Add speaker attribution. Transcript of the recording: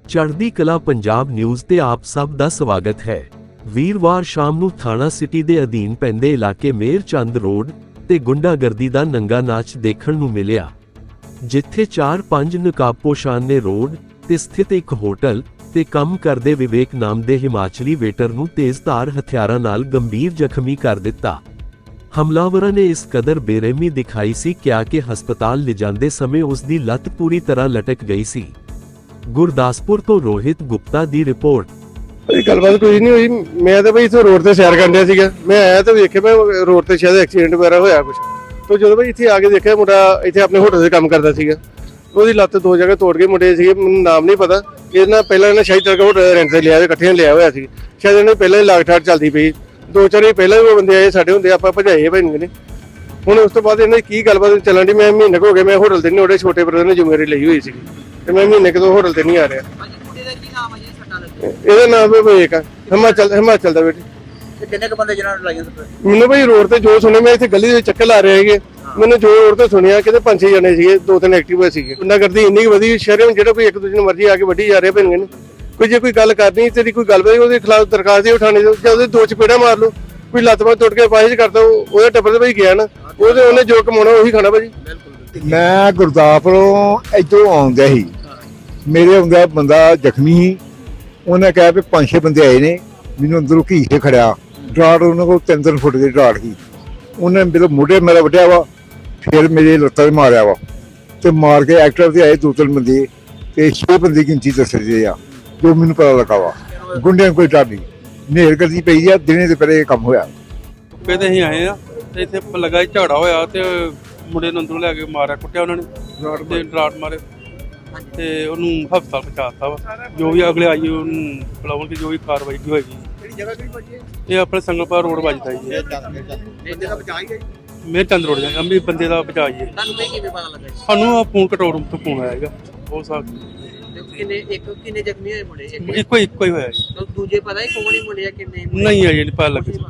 Speaker 1: ਚੜ੍ਹਦੀ ਕਲਾ ਪੰਜਾਬ ਨਿਊਜ਼ ਤੇ ਆਪ ਸਭ ਦਾ ਸਵਾਗਤ ਹੈ। ਵੀਰਵਾਰ ਸ਼ਾਮ ਨੂੰ ਥਾਣਾ ਸਿਟੀ ਦੇ ਅਧੀਨ ਪੈਂਦੇ ਇਲਾਕੇ ਮੇਰ ਚੰਦ ਰੋਡ ਤੇ ਗੁੰਡਾਗਰਦੀ ਦਾ ਨੰਗਾ ਨਾਚ ਦੇਖਣ ਨੂੰ ਮਿਲਿਆ, ਜਿੱਥੇ 4-5 ਨਕਾਬਪੋਸ਼ਾਂ ਨੇ ਰੋਡ ਤੇ ਸਥਿਤ ਇੱਕ ਹੋਟਲ ਤੇ ਕੰਮ ਕਰਦੇ ਵਿਵੇਕ ਨਾਮ ਦੇ ਹਿਮਾਚਲੀ ਵੇਟਰ ਨੂੰ ਤੇਜ਼ਧਾਰ ਹਥਿਆਰਾਂ ਨਾਲ ਗੰਭੀਰ ਜ਼ਖਮੀ ਕਰ ਦਿੱਤਾ। ਹਮਲਾਵਰਾਂ ਨੇ ਇਸ ਕਦਰ ਬੇਰਹਿਮੀ ਦਿਖਾਈ ਸੀ ਕਿ ਹਸਪਤਾਲ ਲਿਜਾਂਦੇ ਸਮੇਂ ਉਸ ਦੀ ਲੱਤ ਪੂਰੀ ਤਰ੍ਹਾਂ ਲਟਕ ਗਈ ਸੀ। ਗੁਰਦਾਸਪੁਰ ਤੋਂ ਰੋਹਿਤ ਗੁਪਤਾ ਦੀ ਰਿਪੋਰਟ।
Speaker 2: ਗੱਲਬਾਤ ਕੋਈ ਨਹੀਂ ਹੋਈ। ਮੈਂ ਤਾਂ ਬਈ ਇੱਥੇ ਰੋਡ ਤੇ ਸੈਰ ਕਰਨ ਡਿਆ ਸੀਗਾ। ਮੈਂ ਆਇਆ ਤਾਂ ਵੇਖਿਆ ਮੈਂ ਰੋਡ ਤੇ ਸ਼ਾਇਦ ਐਕਸੀਡੈਂਟ ਵਗੈਰਾ ਹੋਇਆ ਕੁਝ। ਤੋਂ ਜਦੋਂ ਬਈ ਇੱਥੇ ਆ ਕੇ ਦੇਖਿਆ ਮੁੰਡਾ ਇੱਥੇ ਆਪਣੇ ਹੋਟਲ 'ਤੇ ਕੰਮ ਕਰਦਾ ਸੀਗਾ। ਉਹਦੀ ਲੱਤ 2 ਜਗ੍ਹਾ ਤੋੜ ਕੇ ਮੁੰਡੇ ਸੀਗੇ, ਮੈਨੂੰ ਨਾਮ ਨਹੀਂ ਪਤਾ। ਇਹਨਾਂ ਪਹਿਲਾਂ ਇਹਨਾਂ ਸ਼ਾਇਦ ਤੱਕ ਹੋਟਲ ਰੈਂਟ ਤੇ ਲਿਆ ਹੋਇਆ, ਇਕੱਠਿਆਂ ਲਿਆ ਹੋਇਆ ਸੀ। ਸ਼ਾਇਦ ਇਹਨਾਂ ਪਹਿਲਾਂ ਹੀ ਲਾਗਠਾੜ ਚੱਲਦੀ ਪਈ। 2-4 ਵਾਰੀ ਪਹਿਲਾਂ ਵੀ ਬੰਦੇ ਆਏ ਸਾਡੇ ਹੁੰਦੇ, ਆਪਾਂ ਭਜਾਏ ਭਾਈ ਨੇ। ਹੁਣ ਉਸ ਤੋਂ ਬਾਅਦ ਇਹਨਾਂ ਦੀ ਕੀ ਗੱਲਬਾਤ ਚੱਲਣ ਦੀ, ਮੈਂ ਮਹੀਨੇ ਹੋ ਗਏ ਮੈਂ ਹੋਟਲ ਤੇ ਨਹੀਂ, ਉਹਦੇ ਛੋਟੇ ਬ੍ਰਦਰ ਨੇ ਜ਼ਿੰਮੇਵਾਰੀ ਲਈ ਹੋਈ ਸੀ ਤੇ ਮੈਂ ਮਹੀਨੇ ਕਿਦੋਂ ਹੋਟਲ ਤੇ ਨਹੀਂ ਆ ਰਿਹਾ। ਇਹਦਾ ਨਾਮ ਹੈ ਵਿਵੇਕ, ਹਿਮਾਚਲ ਦਾ ਬੇਟੇ।
Speaker 3: ਕਿੰਨੇ ਕ ਬੰਦੇ ਜਿਹਨਾਂ ਨੂੰ ਲਾਈਆਂ ਸੱਟਾਂ?
Speaker 2: ਮੈਨੂੰ ਭਾਈ ਰੋਡ ਤੇ ਜੋ ਸੁਣਿਆ, ਮੈਂ ਇੱਥੇ ਗਲੀ ਦੇ ਵਿੱਚ ਚੱਕਰ ਲਾ ਰਹੇ ਸੀਗੇ, ਮੈਨੂੰ ਜੋ ਰੋਡ ਤੇ ਸੁਣਿਆ ਕਿਤੇ 5-6 ਜਣੇ ਸੀਗੇ, 2-3 ਐਕਟਿਵ ਸੀਗੇ। ਗੁੰਡਾਗਰਦੀ ਇੰਨੀ ਵਧੀ ਸ਼ਹਿਰ, ਜਿਹੜਾ ਕੋਈ ਇੱਕ ਦੂਜੇ ਨੂੰ ਮਰਜ਼ੀ ਆ ਕੇ ਵੱਢੀ ਜਾ ਰਹੇ ਭੈਣ ਨੇ। ਕੋਈ ਜੇ ਕੋਈ ਗੱਲ ਕਰਨੀ ਤੇਰੀ ਕੋਈ ਗੱਲ ਉਹਦੇ ਖਿਲਾਫ ਦਰਖਾਸਤ ਦੇ ਉਠਾਣੇ ਦੇ, ਜਾਂ ਉਹਦੇ 2 ਚਪੇੜਾ ਮਾਰ ਲਓ। ਕੋਈ ਲੱਤ ਬਾਂਹ ਟੁੱਟ ਕੇ ਪਾਹਿਜ ਕਰਦਾ, ਉਹਦੇ ਟੱਬਰ ਤੇ ਭਾਈ ਗਿਆ ਨਾ, ਉਹਨੇ ਜੋ ਕਮਾਉਣਾ ਉਹੀ ਖਾਣਾ ਭਾਜੀ।
Speaker 4: ਮੈਂ ਗੁਰਦਾਸਪੁਰੋਂ ਇੱਧਰੋਂ ਆਉਂਦਾ ਸੀ, ਮੇਰੇ ਆਉਂਦਾ ਬੰਦਾ ਜ਼ਖਮੀ ਸੀ। ਉਹਨੇ ਕਿਹਾ ਵੀ 5-6 ਬੰਦੇ ਆਏ ਨੇ, ਮੈਨੂੰ ਅੰਦਰੋਂ ਘੀ ਕੇ ਖੜਿਆ। ਡਰਾਟ ਉਹਨਾਂ ਕੋਲ 3-3 ਫੁੱਟ ਦੇ ਡਰਾਟ ਸੀ। ਉਹਨੇ ਮੇਰੇ ਮੋਢੇ ਮੇਰਾ ਵੱਢਿਆ ਵਾ, ਫਿਰ ਮੇਰੇ ਲੱਤਾਂ 'ਤੇ ਮਾਰਿਆ ਵਾ ਤੇ ਮਾਰ ਕੇ ਐਕਟਰ ਤੇ ਆਏ 2-3 ਬੰਦੇ ਤੇ 6 ਬੰਦੇ ਗਿਣਤੀ ਦੱਸਦੇ ਆ, ਜੋ ਮੈਨੂੰ ਪਤਾ ਲੱਗਾ ਵਾ। ਗੁੰਡਿਆਂ ਨੂੰ ਕੋਈ ਡਰ ਨਹੀਂ, ਨੇਰ ਕਰਦੀ ਪਈ ਆ। ਦਿਨੇ ਤੇ ਪਹਿਲੇ ਇਹ ਕੰਮ ਹੋਇਆ।
Speaker 5: ਤੇ ਅਸੀਂ ਆਏ ਆ ਤੇ ਇੱਥੇ ਲੱਗਾ ਝਗੜਾ ਹੋਇਆ ਤੇ ਮੁੰਡੇ ਨੂੰ ਅੰਦਰੋਂ ਲੈ ਕੇ ਮਾਰਿਆ, ਕੁੱਟਿਆ ਉਹਨਾਂ ਨੇ ਤੇ ਡਰਾਟ ਮਾਰੇ ਤੇ ਉਹਨੂੰ ਹਸਪਤਾਲ ਪਹੁੰਚਾਤਾ ਵਾ। ਜੋ ਵੀ ਅਗਲੇ ਆਈ ਉਹਨੂੰ ਬੁਲਾਉਣਗੇ, ਜੋ ਵੀ ਕਾਰਵਾਈ ਕੀ ਹੋਏਗੀ।
Speaker 3: ਕਿਹੜੀ ਜਗ੍ਹਾ ਕਿਹੜੀ ਵੱਜੀ ਹੈ?
Speaker 5: ਇਹ ਆਪਣੇ ਸੰਗਲਪੁਰ ਰੋਡ ਵੱਜਦਾ ਜੀ।
Speaker 3: ਬੰਦੇ ਦਾ ਬਚਾਅ ਹੀ ਹੈ ਜੀ।
Speaker 5: ਮੇਰ ਚੰਦ ਰੋਡ ਜਾਂ ਅੰਮ੍ਰਿਤ ਬੰਦੇ ਦਾ ਬਚਾਈਏ।
Speaker 3: ਤੁਹਾਨੂੰ ਕਿਵੇਂ ਪਤਾ ਲੱਗਾ ਜੀ?
Speaker 5: ਸਾਨੂੰ ਆ ਫੋਨ ਕੰਟਰੋਲ ਰੂਮ ਤੋਂ ਫੋਨ ਆਇਆ ਹੈਗਾ। ਉਹ ਸਾਹ
Speaker 3: ਕਿੰਨੇ ਜ਼ਖਮੀ ਹੋਏ ਮੁੰਡੇ?
Speaker 5: ਇੱਕੋ ਹੀ ਹੋਇਆ ਜੀ।
Speaker 3: ਦੂਜੇ ਪਤਾ ਹੀ ਕੌਣ ਹੀ ਮੁੰਡੇ ਆ ਕਿੰਨੇ?
Speaker 5: ਨਹੀਂ ਆਈ ਨਹੀਂ ਪਤਾ ਲੱਗੇ।